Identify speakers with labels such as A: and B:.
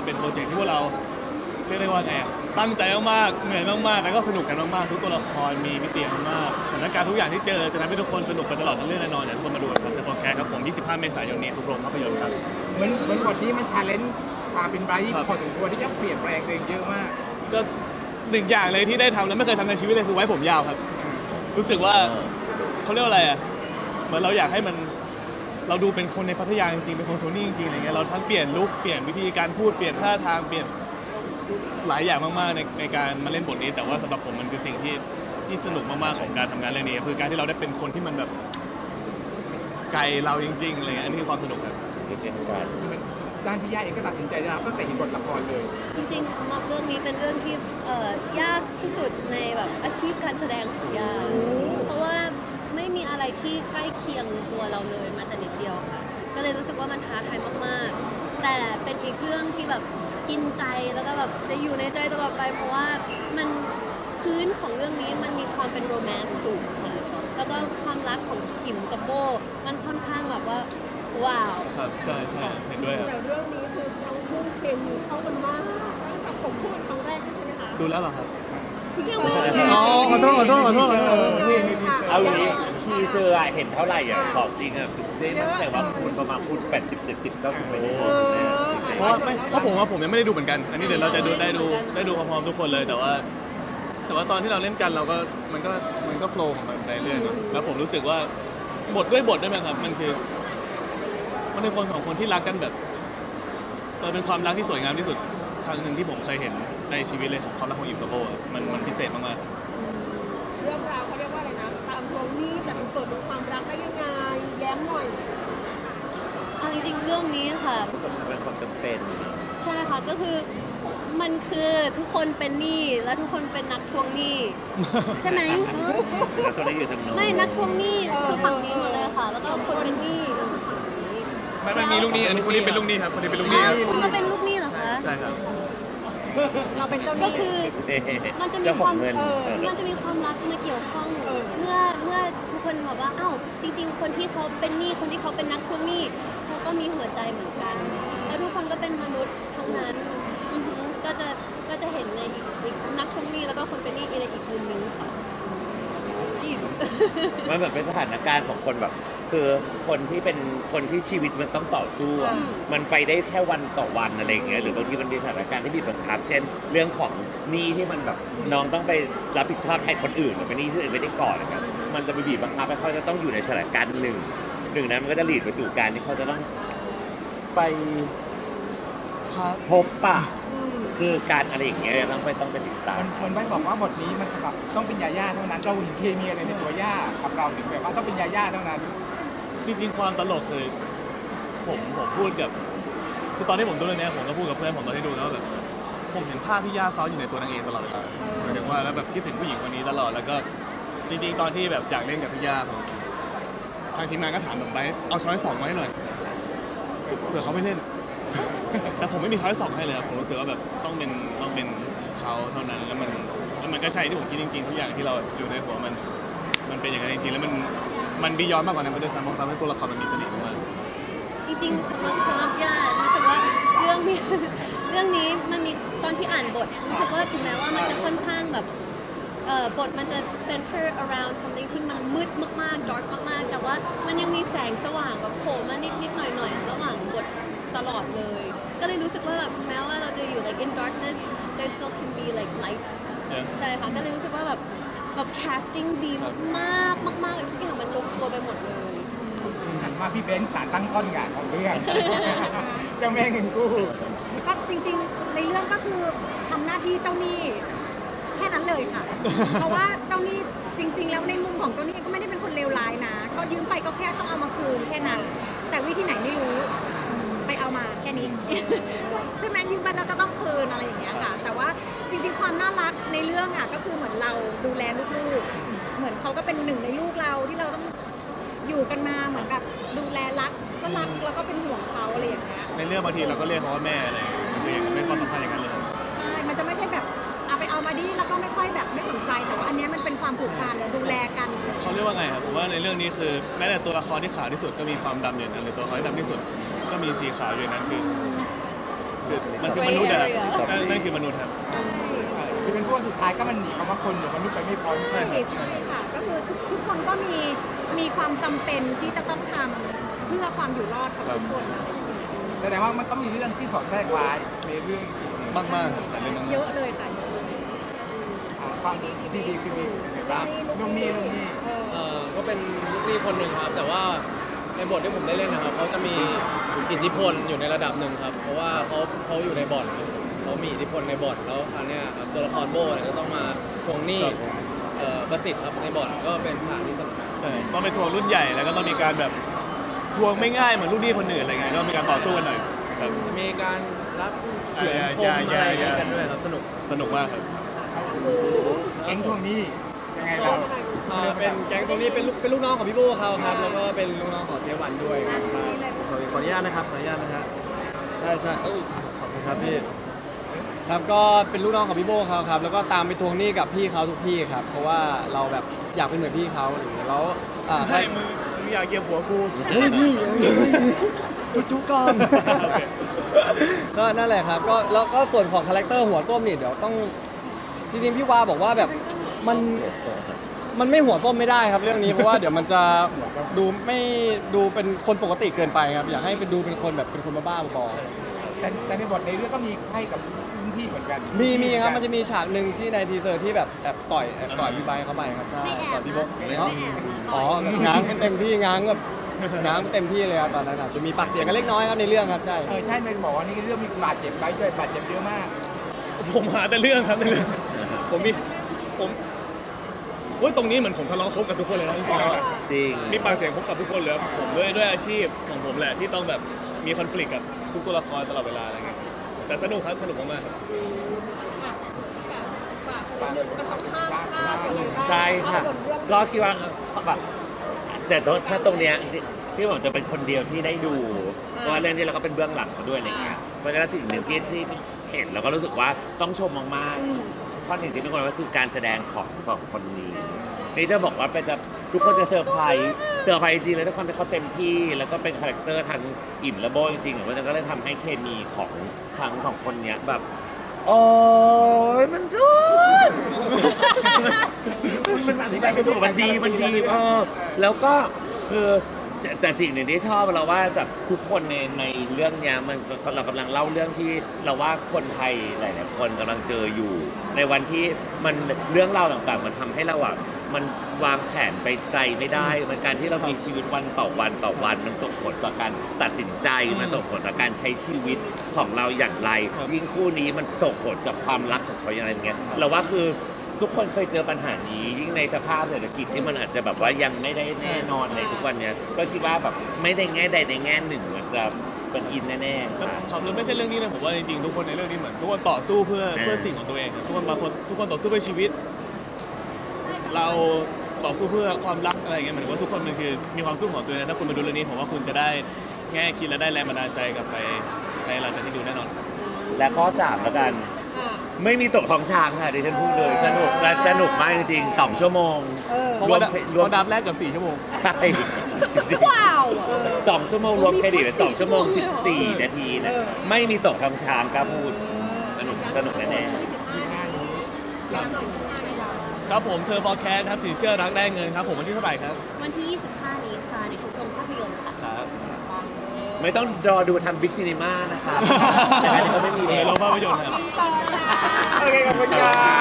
A: เป็นโปรเจกต์ที่พวกเราเรียกได้ว่าไงตั้งใจมากๆเหนื่อยมากๆแต่ก็สนุกกันมากๆทุกตัวละครมีมิติมากสถานการณ์ทุกอย่างที่เจอจะทำให้ทุกคนสนุกไปตลอดทั้งเรื่องแน่นอนอยากให้ทุกคนมาดูครับเซฟฟอร์แคสครับผม25 เมษายนนี้ทุกโรงภาพยนตร์ครับ
B: เหมือนบทนี้มันชาเลนจ์ความเป็นไบรท์พอสมควรที่จะเปลี่ยนแปลงตัวเองเยอะมาก
A: ก็หนึ่งอย่างเลยที่ได้ทำแล้วไม่เคยทำในชีวิตเลยคือไว้ผมยาวครับรู้สึกว่าเขาเรียกว่าอะไรเหมือนเราอยากให้มันเราดูเป็นคนในพัทยาจริงๆเป็นคนโทนี่จริงๆอะไรเงี้ยเราทั้งเปลี่ยนลุคเปลี่ยนวิธีการพูดเปลี่ยนท่าทางเปลี่ยนหลายอย่างมากๆในการมาเล่นบทนี้แต่ว่าสำหรับผมมันคือสิ่งที่สนุกมากๆของการทำงานเรื่องนี้คือการที่เราได้เป็นคนที่มันแบบไกลเราจริงๆอะไรเงี้ยอันนี้คือความสนุกครับ
C: เช่นกัน
B: ด้านพี่ย่าเองก็ตัดสินใจนะครับตั้งแต่เห็นบทละครเลย
D: จริงๆสำหรับเรื่องนี้เป็นเรื่องที่ยากที่สุดในแบบอาชีพการแสดงของยาเพราะว่าไม่มีอะไรที่ใกล้เคียงตัวเราเลยแม้แต่นิดเดียวค่ะก็เลยรู้สึกว่ามันท้าทายมากๆแต่เป็นอีกเรื่องที่แบบกินใจแล้วก็แบบจะอยู่ในใจตลอดไปเพราะว่ามันพื้นของเรื่องนี้มันมีความเป็นโรแมนต์สูงค่ะแล้วก็ความรักของอิ่มกับโบมันค่อนข้างแบบว่าว้าว
A: ครับใช่เห็นด้วยครับ
E: แต่เรื่องนี้คือทั้งคู่เคมีเข้ากันมากกับผมพูดเป็นครั้งแรกด้วยใช่ไหมคะ
A: ดูแล้วเหรอครับ
D: ยังไม่
A: อ๋อขอโทษ
B: นี่
C: เอาอย่างนี้ทีเซอร์เห็นเท่าไหร่ของจริงได้มั่นใจว่าคุณประมาณคุณ80-70ก็ไปได้
A: เพราะผมยังไม่ได้ดูเหมือนกัน อันนี้เดี๋ยวเราจะได้ดูพร้อมๆทุกคนเลยแต่ว่าตอนที่เราเล่นกันเราก็มันก็โฟล์ของมันไปเรื่อยๆแล้วผมรู้สึกว่าบทด้วยมั้ยครับมันเป็นคนสองคนที่รักกันแบบเป็นความรักที่สวยงามที่สุดครั้งหนึ่งที่ผมเคยเห็นในชีวิตเลยของความรักของอิมกับโบมันพิเศษมากๆ
E: เรื่องราวเขาเรียกว่าอะไรนะตามทวงหนี้แต่มันเกิดเป็นความรักได้ยังไงแย้มหน่อย
D: เอาจริงๆเรื่องนี้ค่ะ
C: เป็นความจำเป็น
D: ใช่ค่ะก็คือมันคือทุกคนเป็นหนี้และทุกคนเป็นนักทวงหนี้ ใช่ไหม
C: แล้วจะได้อยู่ทางโน้น
D: ไม่นักทวงหนี้คือฝั่งนี้หมดเลยค่ะ แล้วก็คนเป็นหนี้ก็คือฝั่งนี้
A: ไม่มีลูกหนี้อันนี้คนนี้เป็นลูกหนี้ครับคนนี้เป็นลูกหนี้
D: อ้าว
A: ครับ
D: คุณก็เป็นลูกหนี้เหรอคะ
A: ใช่ครับ
E: เราเป็นเจ้าห
D: ก็
E: นี้
D: คือมันจะมี
C: เจ้า
D: ค
C: ขอ
D: วาง ม
C: เงิน
D: มันจะมีความรักมาเกี่ยวข้องเมื่อทุกคนบอกว่าอ้าวจริง ๆ คนที่เขาเป็นหนี้คนที่เขาเป็นนักทวงหนี้เขาก็มีหัวใจเหมือนกัน แล้วทุกคนก็เป็นมนุษย์ทั้งนั้นอือหือก็จะเห็นในอีกนักทวงหนี้แล้วก็คนเป็นหนี้ในอีกมุมนึงค่ะจีส
C: มันเหมือนเป็นสถานการณ์ของคนแบบ คือคนที่เป็นคนที่ชีวิตมันต้องต่อสู้อะมันไปได้แค่วันต่อวันอะไรอย่างเงี้ยหรือบางทีมันมีสถานการณ์ที่บีบบังคับเช่น เรื่องของหนี้ที่มันแบบน้องต้องไปรับผิดชอบแทนคนอื่นหรือเป็นหนี้ที่อื่นไม่ได้ก่อนนะครับมันจะไปบีบบังคับให้เขาจะต้องอยู่ในสถานการณ์หนึ่งนั้นมันก็จะหลีดไปสู่การที่เขาจะต้องไปพบปะคือการอะไรอย่างเงี้ยต้องไปติดตาม
B: มันไม่บอกว่าบทนี้มันสำหรับต้องเป็นยาย่าเท่านั้นเราเห็นเคมีอะไรในตัวย่ากับเราถึงแบบว่าต้องเป็นยาย่าเท่านั้น
A: จริงๆความตลกคือผมพูดกับคือตอนที่ผมดูเรื่องนี้ผมก็พูดกับเพื่อนผมตอนที่ดูแล้วว่าแบบผมเห็นภาพพี่ย่าซ้อนอยู่ในตัวนางเอกตลอดเวลาหมายถึงว่าแล้วแบบคิดถึงผู้หญิงคนนี้ตลอดแล้วก็จริงๆตอนที่แบบอยากเล่นกับพี่ย่าผมทางทีมงานก็ถามผมไปเอาช้อยสองมาให้หน่อยเผื่อเขาไม่เล่น แต่ผมไม่มีช้อยสองให้เลยครับผมรู้สึกว่าแบบต้องเป็นเขาเท่านั้นแล้วมันก็ใช่ที่ผมคิดจริงๆทุกอย่างที่เราอยู่ในหัวมันเป็นอย่างนั้นจริงๆแล้วมันบียอนมากกว่านั้นไปด้วยซ้ำเพราะทำให้ตัวละครมันมีเสน่ห์มาก
D: จริงๆสำหรับย่ารู้สึกว่าเรื่องนี้ เรื่องนี้มันมีตอนที่อ่านบทรู้สึกว่าถึงแม้ว่ามันจะค่อนข้างแบบบทมันจะ center around something ที่มันมืดมากๆ dark มากๆ แต่ว่ามันยังมีแสงสว่างแบบโผล่มานิดๆหน่อยๆระหว่างบทตลอดเลย ก็เลยรู้สึกว่าแบบถึงแม้ว่าเราจะอยู่ like in darkness there still can be like light
A: ๆ
D: ใช่ค่ะก็เลยรู้สึกว่าแบบ casting ดีมากๆมากๆทุกอย่างมันลงตัวไปหมดเลย
B: มาพี่เบนซ์สารตั้งต้นงานของเรื่อง เจ้าแม่เงินกู้
E: ก็จริงๆในเรื่องก็คือทำหน้าที่เจ้าหนี้แค่นั้นเลยค่ะ เพราะว่าเจ้าหนี้จริง ๆ แล้วในมุมของเจ้าหนี้ก็ไม่ได้เป็นคนเลวร้ายนะก็ยืมไปก็แค่ต้องเอามาคืนแค่นั้นแต่วิธีไหนไม่รู้ไปเอามาแค่นี้ ใช่ไหมยืมไปแล้วก็ต้องคืนอะไรอย่างเงี้ยค่ะแต่ว่าจริงๆความน่ารักในเรื่องอ่ะก็คือเหมือนเราดูแลลูกๆเหมือนเขาก็เป็นหนึ่งในลูกเราที่เราต้องอยู่กันมาเหมือนแบบดูแลรักก็รักแล้วก็เป็นห่วงเขาอะไรอย่างเงี้ย
A: ในเรื่องบางทีเราก็เรียกเขาว่าแม่อะไรอย่างเงี้ยมันคืออย่างนั้นเป็นความสัมพันธ์อย่างนั้นเลย
E: ใช่ มันจะไม่ใช่แบบเอาไปเอามาดิแล้วก็ไม่ค่อยแบบไม่สนใจ แต่ว่าอันเนี้ยมันเป็นความผูกพันดูแลกัน
A: เขาเรียกว่าไงครับผมว่าในเรื่องนี้คือแม้แต่ตัวละครที่ขาวที่สุดก็มีความดำอยู่ในนั้นหรือตัวละครที่ดำที่สุดก็มีสีขาวอยู่ในนั้นคือคือมันคือมนุษย์นะครับ
D: Gray area
A: นั่นคือมนุษย์ครับ
B: คือเป็นพวกสุดท้ายก็มันหนีคำว่าคนหรือมนุษย์ไปไม่พ้น
A: ใช่ครับ
E: ใช่ค่ะ ก็คือทุกคนก็มีความจำเป็นที่จะต้องทำเพื่อความอยู่รอดของทุกคนนะ
B: แสดงว่ามันก็มีเรื่องที่สอดแทรกไว้ในเรื่อง
A: มากๆครับแต่เป็นน้อง
E: เยอะเลยค่ะ
B: ฟังพี่นะครับนุ่มนี่
F: ก็เป็นลูกหนี้คนหนึ่งครับ แต่ว่าในบทที่ผมได้เล่นนะครับเขาจะมีอิทธิพลอยู่ในระดับหนึ่งครับ เพราะว่าเขาอยู่ในบ่อนครับเขามีอิทธิพลในบ่อนแล้วคราวเนี้ยครับตัวละครโบ้เนี่ยก็ต้องมาทวงหนี้ประสิทธิ์ครับในบ่อนก็เป็นฉากที่สนุก
A: ใช่ต้องไปทวงรุ่นใหญ่แล้วก็ต้องมีการแบบทวงไม่ง่ายเหมือนลูกหนี้คนอื่นอะไรเงี้ยก็มีการต่อสู้กันหน่อยครับ
F: จะมีการรับเฉือนคม
A: อย่า
F: อะไรอย่างเงี้ยกันด้วยครับสนุก
A: สนุกมากครับ
B: แก๊งทวงหนี้ยังไงเรา
F: เป็นแก๊งตรงนี้เป็นลูกน้องของพี่โบ้เขาครับแล้วก็เป็นลูกน้องของเจ๊วันด้วยครับใช่ขออนุญาตนะครับขออนุญาตนะฮะใช่ขอบคุณครับพี่ครับก็เป็นลูกน้องของพี่โบ้เขาครับแล้วก็ตามไปทวงหนี้กับพี่เขาทุกที่ครับเพราะว่าเราแบบอยากเป็นเหมือนพี่เขาอะไรอย่างเงี้ยแล้วใช่
A: ให้มึงอยากเกี่ยวหัวกู
F: เฮ้ยพี่จุ๊ก่อน
A: โอเค
F: ก็นั่นแหละครับก็แล้วก็ส่วนของคาแรคเตอร์หัวส้มนี่เดี๋ยวต้องจริงๆพี่วาบอกว่าแบบมันไม่หัวส้มไม่ได้ครับเรื่องนี้เพราะว่าเดี๋ยวมันจะดูเป็นคนปกติเกินไปครับอยากให้เป็นดูเป็นคนแบบเป็นคนบ้าๆบอ
B: แต่ในบทในเรื่องก็มีให้กับรุ่นพี่เหมือนกัน
F: ๆมีครับมันจะมีฉากหนึ่งที่ในทีเซอร์ที่แบบแอบต่อยพี่ไบค์เข้าไปครับใช่
D: ไม่แอบ
F: ต่อยพี่โบ
D: ไม่แอบ
F: อ๋อง้างเต็มที่ง้างแบบง้างเต็มที่เลยครับตอนนั้นอะจะมีปากเสียงกันเล็กน้อยครับในเรื่องครับใช่
B: ใช่ในบอกว่านี่เรื่องมีบาดเจ็บไปด้วยบาดเจ็บเยอะมาก
A: ผมหาแต่เรื่องครับในเรื่องผมโอ้ยตรงนี้เหมือนผมทะเลาะคบกับทุกคนเลยนะจริงๆแล้วอะ
C: จริง
A: มีปากเสียงคบกับทุกคนเลยครับผมด้วยอาชีพของผมแหละที่ต้องแบบมีคอน FLICT กับทุกตัวละครตลอดเวลาอะไรเงี้ยแต่สนุกครับสนุกมากๆครับ
C: ใช่ค่ะ ก็คิดว่าแบบแต่ถ้าตรงเนี้ยที่ผมจะเป็นคนเดียวที่ได้ดูเพราะว่าเรื่องนี้เราก็เป็นเบื้องหลังมาด้วยอะไรเงี้ยเพราะฉะนั้นสิ่งหนึ่งที่เห็นเราก็รู้สึกว่าต้องชมมากๆข้อหนึ่งที่ทุกคนก็คือการแสดงของสองคนนี้นี่จะบอกว่าทุกคนจะเซอร์ไพรส์จริงๆเลยทุกคนเป็นเขาเต็มที่แล้วก็เป็นคาแรคเตอร์ทั้งอิ่มและโบจริงๆเพราะฉะนั้นก็เลยทำให้เคมีของทั้งสองคนเนี้ยแบบโอ้ยมันจุด มันอธิบายกันถูกมันดีแล้วก็คือแต่สิ่งหนึ่งที่ชอบเราว่าแบบทุกคนในเรื่องเนี้ยมันเรากำลังเล่าเรื่องที่เราว่าคนไทยหลายๆคนกำลังเจออยู่ ในวันที่มันเรื่องราวต่างๆมันทำให้เราอ่ะมันวางแผนไปไกลไม่ได้มันการที่เรามีชีวิตวันต่อวันมันส่งผลต่อการตัดสินใจมันส่งผลต่อการใช้ชีวิตของเราอย่างไรยิ่งคู่นี้มันส่งผลกับความรักของเขาอย่างไรเงี้ยเราว่าคือทุกคนเคยเจอปัญหานี้ยิ่งในสภาพเศรษฐกิจที่มันอาจจะแบบว่ายังไม่ได้แน่นอนในทุกวันเนี้ยก็คิดว่าแบบไม่ได้แง่ใดในแง่หนึ่งมันจะเป็นอินแน่ๆ
A: ครับแล้วไม่ใช่เรื่องนี้นะผมว่าจริงๆทุกคนในเรื่องนี้เหมือนทุกคนต่อสู้เพื่อสิ่งของตัวเองครับทุกคนต่อสู้เพื่อชีวิต เราต่อสู้เพื่อความรักอะไรอย่างเงี้ยหมายถึงว่าทุกคนมันคือมีความสู้ของตัวเองนะถ้าคุณมาดูเรื่องนี้ผมว่าคุณจะได้แง่คิดและได้แรงบันดาลใจกลับไปในหลังจากที่ดูแน่นอนครับ
C: และข้อ 3 แล้วกัน ไม่มีตกท้องช้างค่ะดิฉันพูดเลยสนุกและสนุกมากจริงๆ2 ชั่วโมง
A: เพราะว่าดับแรกกับ4 ชั่วโมง
C: ใช่จริง
D: ว้าว
C: 2 ชั่วโมงรวมเครดิต2 ชั่วโมง 14 นาทีนะไม่มีตกท้องช้างกล้าพูดสนุกแน่ๆ
A: ครับผมเธอ forecast ครับสินเชื่อรักได้เงินครับผมวันที่เท่าไหร่ครับ
D: วันที่ 25 นี้ค่ะในทุกโรงภาพยนตร์ค่ะ
A: ครับ
C: ไม่ต้องรอดูทำบิ๊กซีนีมานะครับแต่อันนี้ก็ไม่มี
A: โร
C: แล้ว
A: งภาพยนตร์ครับ
B: โอเคขอบคุณครับ